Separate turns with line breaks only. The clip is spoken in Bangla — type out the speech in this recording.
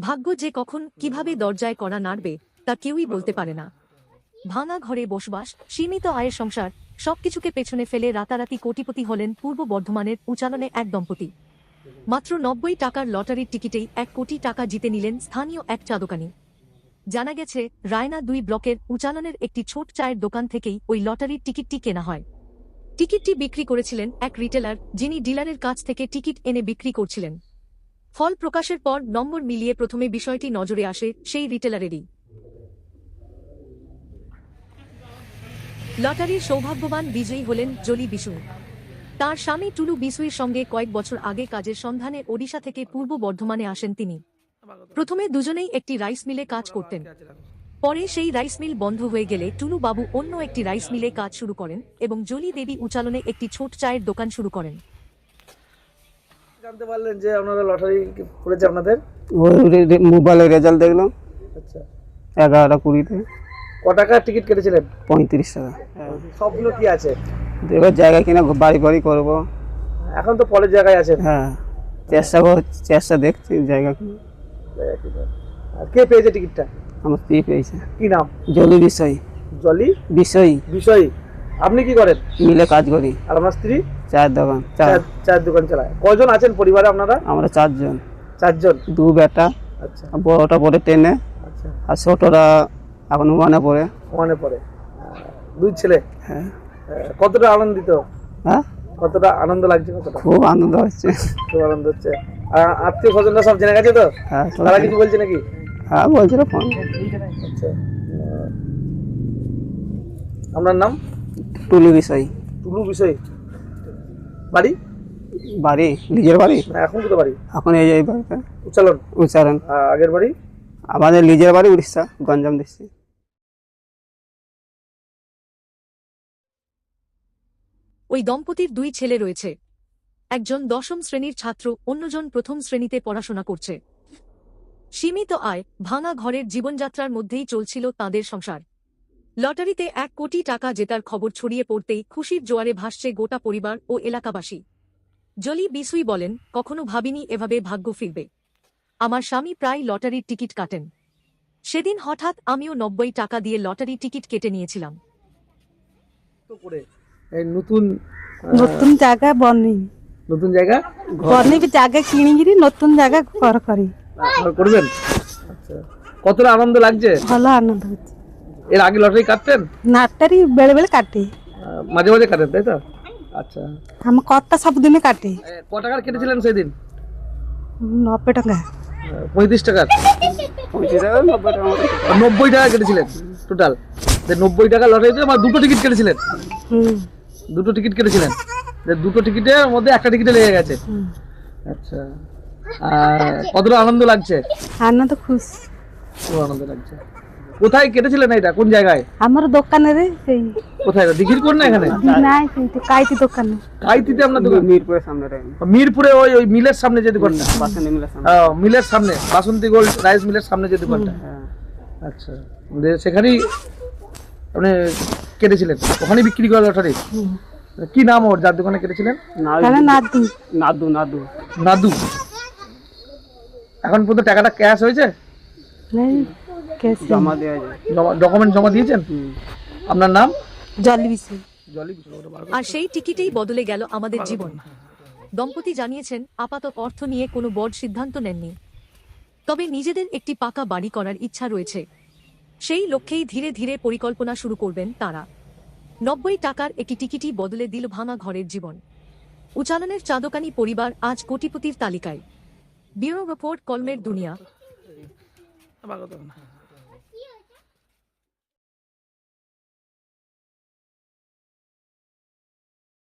ভাগ্য যে কখন কিভাবে দরজায় কড়া নাড়বে তা কেউই বলতে পারে না। ভাঙা ঘরে বসবাস, সীমিত আয়ের সংসার, সবকিছুকে পেছনে ফেলে রাতারাতি কোটিপতি হলেন পূর্ব বর্ধমানের উচালনে এক দম্পতি। মাত্র ৯০ টাকার লটারির টিকিটেই ১ কোটি টাকা জিতে নিলেন স্থানীয় এক চা দোকানি। জানা গেছে, রায়না ২ ব্লকের উচালনের একটি ছোট চায়ের দোকান থেকেই ওই লটারির টিকিটটি কেনা হয়। টিকিটটি বিক্রি করেছিলেন এক রিটেলার, যিনি ডিলারের কাছ থেকে টিকিট এনে বিক্রি করছিলেন। ফল প্রকাশের পর নম্বর মিলিয়ে প্রথমে বিষয়টি নজরে আসে সেই রিটেলারেরই। লটারির সৌভাগ্যবান বিজয়ী হলেন জলি বিশুই। তার স্বামী টুলু বিশুইর সঙ্গে কয়েক বছর আগে কাজের সন্ধানে ওড়িশা থেকে পূর্ব বর্ধমানে আসেন তিনি। প্রথমে দুজনেই একটি রাইস মিলে কাজ করতেন। পরে সেই রাইস মিল বন্ধ হয়ে গেলে টুলু বাবু অন্য একটি রাইস মিলে কাজ শুরু করেন এবং জলি দেবী উচালনে একটি ছোট চায়ের দোকান শুরু করেন।
জানতে পারলেন যে আপনারা লটারি পড়েছে আপনাদের?
ওই মোবাইলে রেজাল্ট দেখলাম।
আচ্ছা,
11:20-তে।
ক টাকার টিকিট কেটেছিলেন?
35 টাকা।
সবগুলো কি আছে?
এবার জায়গা কিনা বাড়ি বাড়ি করবো।
এখন তো পরের জায়গায় আছেন।
হ্যাঁ, চেষ্টা দেখছি জায়গা কিনা।
আর কে পেয়েছে টিকিটটা?
আমার স্ত্রী পেয়েছে।
কি নাম?
জলি বিষয়।
জলি
বিষয়।
বিষয়। আপনি কি করেন?
মিলে কাজ করি।
আর আপনার স্ত্রী?
চায়ের দোকান।
চায়ের দোকান চালায়। কয়জন আছেন পরিবারে আপনারা?
আমরা 4 জন।
4 জন।
2 বেটা।
আচ্ছা।
বড়টা পড়ে 10-এ।
আচ্ছা।
আর ছোটরা এখন 1-এ পড়ে।
1-এ পড়ে। 2 ছেলে।
হ্যাঁ।
কতটা আনন্দিত?
হ্যাঁ,
কতটা আনন্দ লাগছে? কতটা?
খুব আনন্দ হচ্ছে।
খুব আনন্দ হচ্ছে। আত্মীয় স্বজনরা সব জেনে গেছে তো?
হ্যাঁ,
তারা কিছু বলছে নাকি?
হ্যাঁ, বলছিল ফোন।
আচ্ছা। আপনার নাম?
টুলু বিষয়।
টুলু বিষয়। বাড়ি?
বাড়ি নিজের বাড়ি।
এখন কোথায় বাড়ি?
এখন এই বাড়িতে
উচ্চারণ।
উচ্চারণ।
আগের বাড়ি?
আমাদের নিজের বাড়ি উড়িষ্যা, গঞ্জাম ডিস্ট্রিক্ট।
ওই দম্পতির 2 ছেলে রয়েছে। একজন 10ম শ্রেণীর ছাত্র, অন্যজন প্রথম শ্রেণীতে পড়াশোনা করছে। সীমিত আয়, ভাঙা ঘরের জীবনযাত্রার মধ্যেই চলছিল তাঁদের সংসার। লটারিতে 1 কোটি টাকা জেতার খবর ছড়িয়ে পড়তেই খুশির জোয়ারে ভাসছে গোটা পরিবার ও এলাকাবাসী। জলি বিশুই বলেন, কখনো ভাবিনি এভাবে ভাগ্য ফিরবে। আমার স্বামী প্রায় লটারির টিকিট কাটেন। সেদিন হঠাৎ আমিও ৯০ টাকা দিয়ে লটারি টিকিট কেটে নিয়েছিলাম।
এই নতুন
জায়গা বনি
নতুন জায়গা
বনি জায়গা কিনিকি নতুন জায়গা ঘর করি
করবেন। আচ্ছা, কতটা আনন্দ লাগছে?
ভালো আনন্দ হচ্ছে।
এর আগে লটারি কাটতেন?
নাটারি বেড়ে বেড়ে কাটে,
মাঝে মাঝে কাটেন, তাই তো? আচ্ছা,
আমার কর্তা সবদিনে কাটে।
ক টাকার কেটেছিলেন সেদিন?
৯০ টাকা।
35 টাকার? 90 টাকা কেটেছিলেন টোটাল। 90 টাকা লটারিতে আমার 2টো টিকিট কেটেছিলেন। 2টো টিকিট কেটেছিলেন। 2টো টিকিটের মধ্যে একটা টিকিটে লেগে গেছে। আচ্ছা, কতটা আনন্দ লাগছে?
আনন্দ খুশ,
খুব আনন্দ লাগছে। কোথায় কেটেছিলেন এটা? কোন জায়গায়?
আমার দোকানে রে সেই
কোথায়? দিঘির কোন না এখানে?
নাই কিন্তু কাইতি দোকানে।
কাইতিতে আপনার দোকান?
মিরপুরের সামনে।
মিরপুরে ওই মিলের সামনে যে দোকানটা?
বাসন্তী মিলের সামনে।
মিলের সামনে, বাসন্তী গোল্ড রাইস মিলের সামনে যে দোকানটা। আচ্ছা, সেখানেই আপনি কেটেছিলেন? ওখানেই বিক্রি করা লটারি? কি নাম ওর যার দোকানে কেটেছিলেন?
নাদু।
নাদু। নাদু।
নাদু। এখন পর্যন্ত টাকাটা ক্যাশ হয়েছে?
জমা দেওয়া যায়।
ডকুমেন্ট জমা দিয়েছেন? আপনার নাম?
জলি বিষয়।
আর সেই টিকিটেই বদলে গেল আমাদের জীবন। দম্পতি জানিয়েছেন, আপাতত অর্থ নিয়ে কোনো বড় সিদ্ধান্ত নেননি, তবে নিজেদের একটি পাকা বাড়ি করার ইচ্ছা রয়েছে। সেই লক্ষ্যেই ধীরে ধীরে পরিকল্পনা শুরু করবেন তারা। ৯০ টাকার একটি টিকিটই বদলে দিল ভাঙা ঘরের জীবন। উচালনের চা দোকানি পরিবার আজ কোটিপতির তালিকায়। ব্যুরো রিপোর্ট, কলমের দুনিয়া।